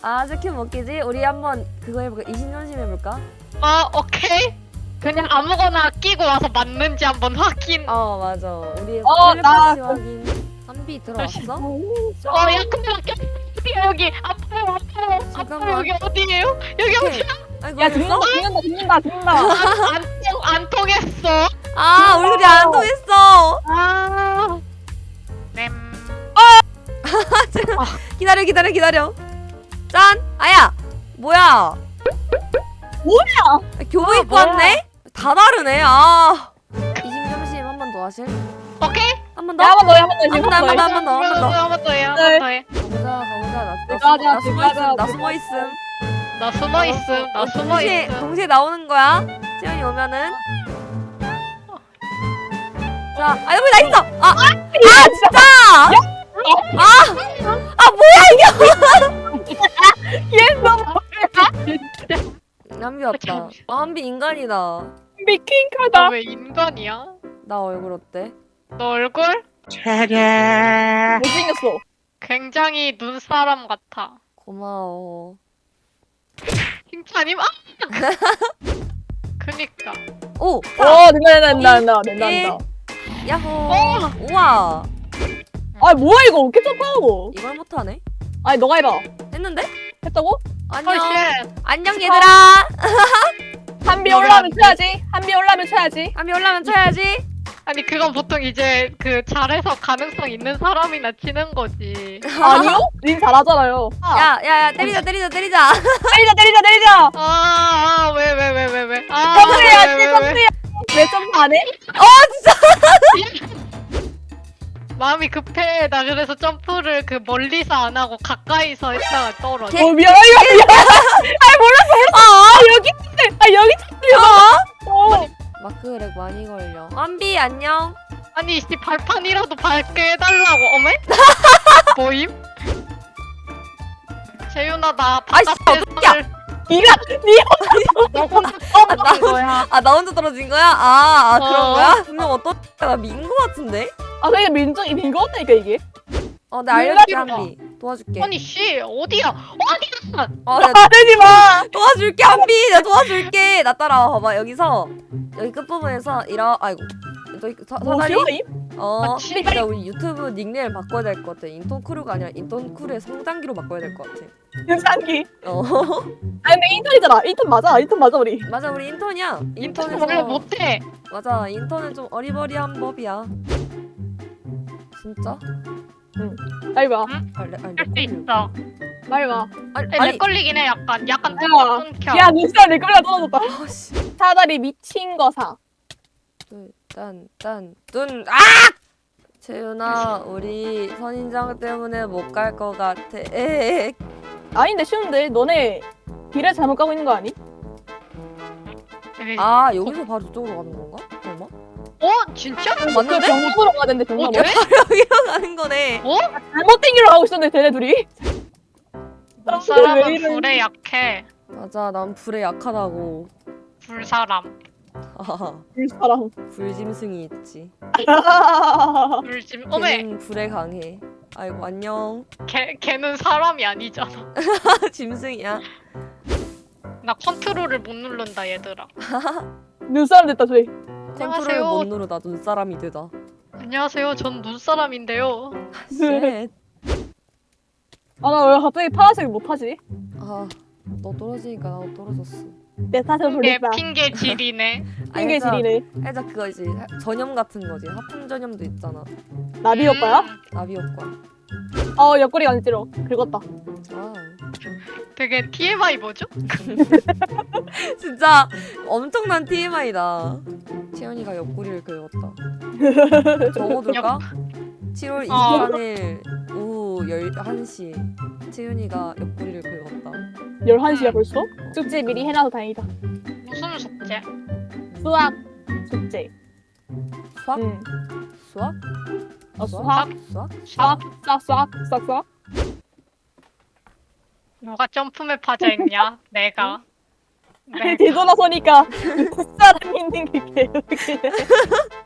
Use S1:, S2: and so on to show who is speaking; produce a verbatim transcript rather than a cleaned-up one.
S1: 아 스킨 먹기지? 우리 한번 그거 해볼까? 이신전심 해볼까?
S2: 어 오케이. 그냥 아무거나 끼고 와서 맞는지 한번 확인.
S1: 어 맞아. 우리
S3: 어, 나
S1: 텔레파시 확인. 한비 들어왔어?
S2: 어야 근데 어디야 여기 아파요 아파요 아파요
S1: 잠깐만.
S2: 여기 어디예요? 여기
S1: 오케이.
S2: 어디야?
S1: 아이고
S3: 야
S1: 됐어?
S3: 죽는다 죽는다 죽는다 죽는다.
S2: 안, 통, 안 통했어.
S1: 아 우리 둘이 안 통했어.
S2: 아. 램.
S1: 기다려 기다려 기다려. 짠. 아야 뭐야?
S3: 뭐야?
S1: 교복
S3: 아,
S1: 입고
S3: 뭐야.
S1: 왔네? 다 다르네. 아. 이심점심 한 번 더 하실?
S2: 오케이.
S1: 한 번 더?
S3: 야 한 번 더 해 한 번 더 해.
S1: 한 번 더, 한 번 더, 한 번 더, 한 번 더.
S2: 한번 더 해. 한
S3: 네.
S2: 번 더 해.
S1: 가보자 가보자. 나, 나,
S3: 들어가자,
S1: 숨어, 나 숨어 있음.
S3: 들어가자,
S1: 나 숨어 있음.
S2: 나 숨어 있음. 나 숨어
S1: 동시에
S2: 있음.
S1: 동시에 나오는 거야. 채연이 오면은. 자, 아 여기 나 있어. 아, 아 진짜. 아, 아 뭐야
S3: 얘 너무
S1: 이게? 한비 왔다. 아 한비 인간이다.
S3: 미킹카다.
S2: 너왜 인간이야?
S1: 나 얼굴 어때?
S2: 너 얼굴
S3: 못생겼어.
S2: 굉장히 눈사람 같아.
S1: 고마워.
S2: 칭찬임? 아! 그니까.
S1: 오,
S3: 오 된다 된다 된다 된다 된다
S1: 일.
S3: 된다.
S1: 야호. 우와.
S3: 아 뭐야 이거 어떻게 점프하고?
S1: 이걸 못하네.
S3: 아니 너가 해봐.
S1: 했는데?
S3: 했다고?
S1: 안녕.
S2: 헐쉣.
S1: 안녕 얘들아.
S3: 한비
S2: 너가
S3: 올라오면
S2: 안 돼?
S3: 쳐야지. 한비 올라오면 쳐야지.
S1: 한비 올라면 쳐야지.
S2: 아니 그건 보통 이제 그 잘해서 가능성 있는 사람이나 치는 거지.
S3: 아니요? 님 잘하잖아요. 아,
S1: 야, 야, 야, 때리자, 때리자, 때리자.
S3: 때리자 때리자 때리자.
S2: 아왜 왜 왜 왜 왜? 아
S3: 점프해야지
S2: 왜, 왜, 왜?
S3: 점프해. 왜 점프 안 해?
S2: 마음이 급해. 나 그래서 점프를 그 멀리서 안 하고 가까이서 했다가 떨어져.
S1: 개-
S3: 어 미안 미안 미안. 아 몰랐어 몰랐어. 아 여기 있네. 아 여기 있어. 어.
S1: 마크렉 많이 걸려. 한비 안녕.
S2: 아니 이 발판이라도 밟게 해달라고. 어메? 뭐임? 재윤아 나
S1: 아이씨,
S2: 바깥에서
S3: 니가 니
S2: 너 혼자 떨어진 거야.
S1: 아, 나 혼자 떨어진 거야? 아, 아 그런
S2: 어.
S1: 거야? 분명 어떤 나민 거 같은데?
S3: 아 그러니까 민정이 민거 같다니까 이게.
S1: 어, 내가 알려줄게
S3: 몰라.
S1: 한비. 도와줄게.
S2: 아니 씨 어디야? 어디야?
S1: 어, 내가
S3: 말하지 마.
S1: 도와줄게 한비. 내가 도와줄게. 나 따라와 봐봐. 여기서 여기 끝 부분에서 이러. 아이고. 저기 사, 사다리.
S3: 뭐시오?
S1: 어.
S2: 아, 진짜?
S1: 진짜 우리 유튜브 닉네임 바꿔야 될 것 같아. 인턴 크루가 아니라 인턴 크루의 성장기로 바꿔야 될 것 같아.
S3: 윤상기.
S1: 어.
S3: 아 근데 인턴이잖아. 인턴 맞아. 인턴 맞아 우리.
S1: 맞아, 우리 인턴이야.
S2: 인터넷
S1: 인턴에서
S2: 원래 못해.
S1: 맞아, 인턴은 좀 어리버리한 법이야. 진짜?
S3: 빨리 와.
S1: 알레 알레.
S2: 할 수 있어.
S3: 빨리 와.
S1: 아니,
S2: 렉
S1: 아니.
S2: 걸리긴 해 약간. 약간
S3: 야.
S2: 끊겨.
S3: 야 눈살 내 거리가 떨어졌다.
S1: 아씨.
S3: 사다리 미친 거사.
S1: 딴딴눈 아! 채윤아, 우리 선인장 때문에 못 갈 것 같아. 에엑.
S3: 아닌데 쉬운데 너네 길을 잘못 가고 있는 거 아니?
S1: 아, 여기서 바로 저쪽으로 가는 건가? 설마?
S2: 어? 진짜?
S1: 어,
S3: 그
S1: 맞는데?
S3: 병으로 가야 되는데 병으로.
S2: 어, 돼?
S1: 여기로 가는 거네.
S2: 어?
S3: 잘못 땡기러 가고 있었는데 쟤네 둘이.
S2: 그 사람은
S3: 왜 이러니?
S2: 불에 약해.
S1: 맞아, 난 불에 약하다고.
S2: 불사람.
S1: 아하,
S3: 이 사람.
S1: 불짐승이 있지.
S2: 불짐. 어메.
S1: 걔는 불에 강해. 아이고, 안녕.
S2: 걔 걔는 사람이 아니잖아.
S1: 짐승이야.
S2: 나 컨트롤을 못 누른다 얘들아.
S3: 눈사람 됐다 저희.
S1: 컨트롤
S2: 안녕하세요.
S1: 못 누르다 눈사람이 되다.
S2: 안녕하세요. 전 눈사람인데요.
S1: 쉣.
S3: 아 나 왜 갑자기 파란색 못 하지?
S1: 아, 너 떨어지니까 나도 떨어졌어.
S3: 내 탓을
S2: 핑계
S3: 돌린다.
S2: 핑계 질이네.
S3: 핑계 질이네.
S1: 살짝 그거지. 전염 같은 거지. 하품 전염도 있잖아.
S3: 나비 효과야?
S2: 음,
S1: 나비 효과.
S3: 어 옆구리가 안 찌러. 긁었다.
S1: 아,
S2: 되게 티엠아이 뭐죠?
S1: 진짜 엄청난 티엠아이다. 채연이가 옆구리를 긁었다. 적어둘까? 칠월 이십삼일 오후 열한 시 채연이가 옆구리를 긁었다.
S3: 열한 시야 벌써? 숙제 미리 해놔서 다행이다.
S2: 무슨 숙제?
S3: 수학 숙제.
S1: 수학?
S3: 응.
S1: 수학?
S3: 어 수학.
S1: 수학?
S3: 수학. 수학. 수학. 수학. 수학.
S2: 누가 점프맵 하자 했냐? 내가. 네.
S3: 뒤돌아서니까 사람 있는 게 개웃기네.